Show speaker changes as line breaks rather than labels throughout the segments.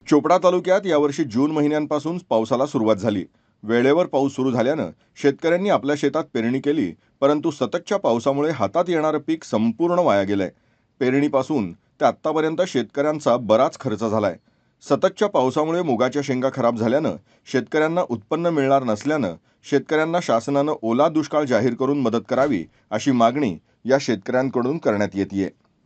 चोपडा तालुक्यात यावर्षी जून महिन्यांपासून पावसाला सुरुवात झाली. वेळेवर पाऊस सुरू झाल्यानं शेतकऱ्यांनी आपल्या शेतात पेरणी केली, परंतु सततच्या पावसामुळे हातात येणारं पीक संपूर्ण वाया गेलंय. पेरणीपासून ते आत्तापर्यंत शेतकऱ्यांचा बराच खर्च झालाय. सततच्या पावसामुळे मुगाच्या शेंगा खराब झाल्यानं शेतकऱ्यांना उत्पन्न मिळणार नसल्यानं शेतकऱ्यांना शासनानं ओला दुष्काळ जाहीर करून मदत करावी, अशी मागणी या शेतकऱ्यांकडून करण्यात येतेय.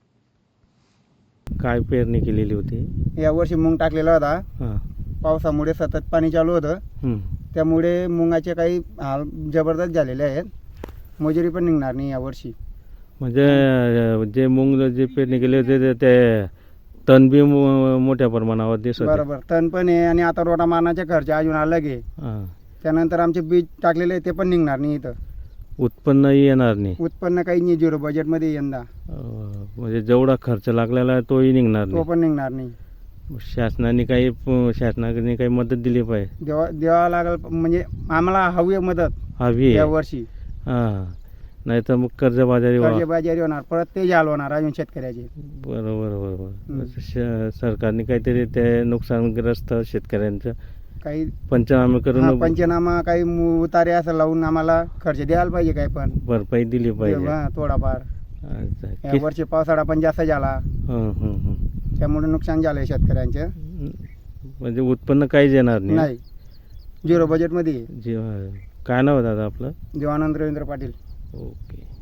काय पेरणी केलेली होती?
यावर्षी मूग टाकलेला होता.
हां.
पावसामुळे सतत पाणी चालू होतं,
हं.
त्यामुळे मुगाचे काही हाल जबरदस्त झालेले आहेत. मजुरी पण निघणार नाही यावर्षी.
म्हणजे जे मूग जे पेरणी केली होती ते तण बी मोठ्या प्रमाणावर दिसत होते.
बरोबर, तण पण आहे आणि आता रोटा मारण्याचे खर्च अजून अलग आहे.
हां.
त्यानंतर आमचे बीज टाकलेले आहे, ते पण निघणार नाही. इथं
उत्पन्नही येणार नाही.
उत्पन्न काही नाही, झिरो बजेटमध्ये यंदा
म्हणजे जेवढा खर्च लागलेला आहे तोही निघणार
तो
नाही.
पण निघणार नाही.
शासनाने काही मदत दिली पाहिजे.
द्यावा लागेल, म्हणजे आम्हाला हवी आहे मदत
हवी आहे.
यावर्षी.
हां. नाही तर मग कर्जबाजारी
कर्जबाजारी होणार, परत ते हाल होणार अजून शेतकऱ्याचे.
बरोबर बरोबर. सरकारने काहीतरी ते नुकसानग्रस्त शेतकऱ्यांचं
काही
पंचनामे करून
पंचनामा, काही उतारे असं लावून आम्हाला खर्च द्यायला पाहिजे. काही पण
भरपाई दिली पाहिजे.
थोडाफार.
अच्छा.
या वर्षी पावसाळा पण जास्त झाला,
हं, हं, हं.
त्यामुळे नुकसान झालंय शेतकऱ्यांचं.
म्हणजे उत्पन्न काहीच येणार नाही.
नाही, झिरो बजेटमध्ये.
काय नाव आहे दादा आपलं?
देवानंद रवींद्र पाटील.
ओके.